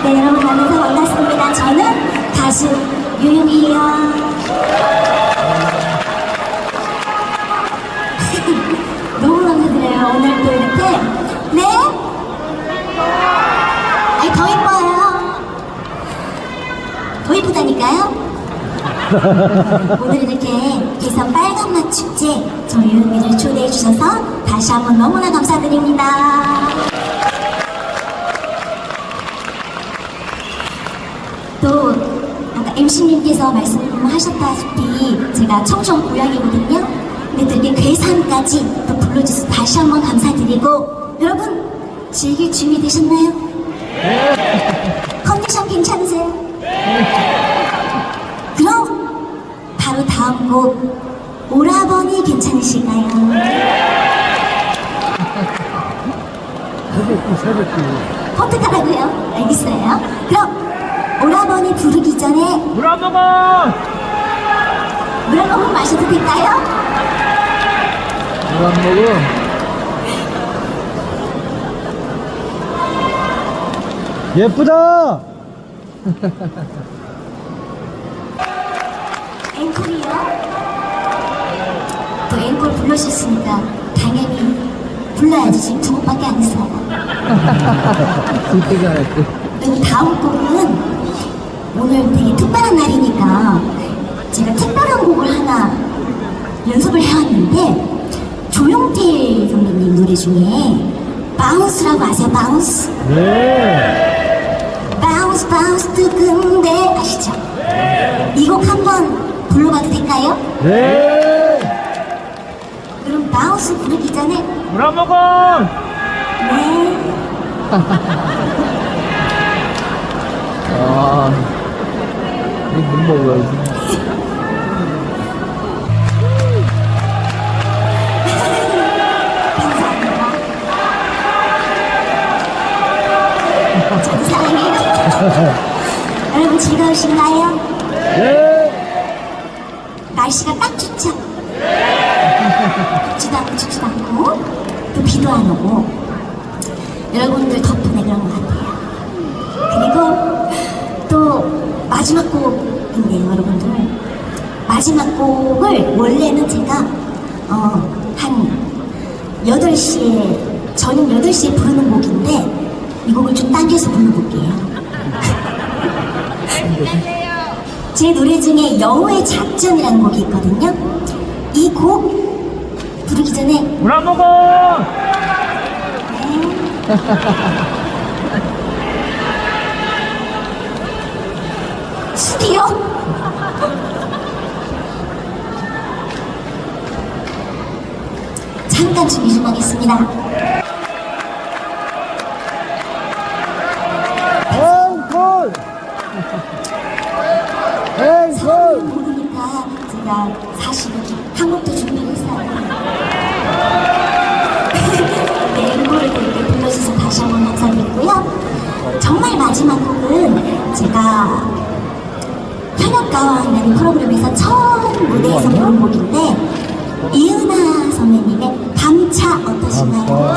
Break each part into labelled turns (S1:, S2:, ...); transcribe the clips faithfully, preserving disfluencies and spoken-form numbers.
S1: 네, 여러분 만나서 반갑습니다. 저는 가수 유유미예요. 너무 감사드려요. 오늘 또 이렇게. 네? 아니, 더 이뻐요. 더 이쁘다니까요? 오늘 이렇게 대선 빨간맛 축제 저희 유유미를 초대해 주셔서 다시 한번 너무나 감사드립니다. 또 아까 엠씨님께서 말씀하셨다시피 제가 청정 고향이거든요. 근데 또 이렇게 괴산까지 또 불러주셔서 다시 한번 감사드리고, 여러분 즐길 준비 되셨나요? 네. 컨디션 괜찮으세요? 네. 그럼 바로 다음 곡 오라버니 괜찮으실까요? 어떡하라고요? 알겠어요. 그럼 오라버니 부르기 전에
S2: 물 한 모금!
S1: 물 한 모금 마셔도 될까요?
S2: 물 한 모금? 예쁘다!
S1: 앵콜이요? 또 앵콜 불러주셨으니까 당연히 불러야지. 지금 두 곡밖에 안 했어요.
S2: 진짜 잘했지.
S1: 그리고 다음 곡은 오늘 되게 특별한 날이니까 제가 특별한 곡을 하나 연습을 해왔는데, 조용필 선배님 노래 중에 바운스라고 아세요? 바운스?
S2: 네.
S1: 바운스 바운스 뜨근데 아시죠? 이 곡 한번 불러봐도 될까요?
S2: 네.
S1: 그럼 바운스 부르기 전에
S2: 물 한 모금!
S1: 네.
S2: 아, 이못 먹어야지.
S1: 감사합니다. 저도 사랑해요. 여러분 즐거우신가요?
S2: 네.
S1: 날씨가 딱 좋죠? 덥지도 않고 춥지도 않고 또 비도 안 오고 여러분들 덕분에 그런 것 같아요. 그리고 또 마지막 곡인데요, 여러분들. 마지막 곡을 원래는 제가 어, 한 여덟 시에 저녁 여덟 시에 부르는 곡인데 이 곡을 좀 당겨서 불러볼게요. 제 노래 중에 여우의 작전이라는 곡이 있거든요. 이 곡 부르기 전에
S2: 물 한 모금!
S1: 술이요? 잠깐 준비 좀 하겠습니다.
S2: 앵콜!
S1: 서울
S2: 앵콜!
S1: 모르니까 제가 사실은 한 곡도 준비를 했어요. 네, 앵콜을 이렇게 불러주셔서 다시 한번 감사드리고요. 정말 마지막 곡은 제가 현역가왕이라는 프로그램에서 처음 무대에서 부른 곡인데, 이은하 선배님의 밤차 어떠신가요?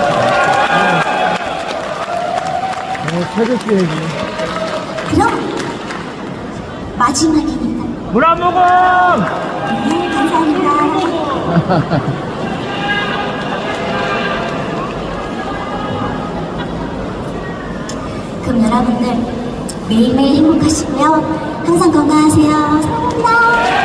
S2: 어, 태극기 얘기.
S1: 그럼 마지막이니까.
S2: 물 한 모금!
S1: 네, 감사합니다. 그럼 여러분들 매일매일 행복하시고요. 항상 건강하세요. 사랑합니다.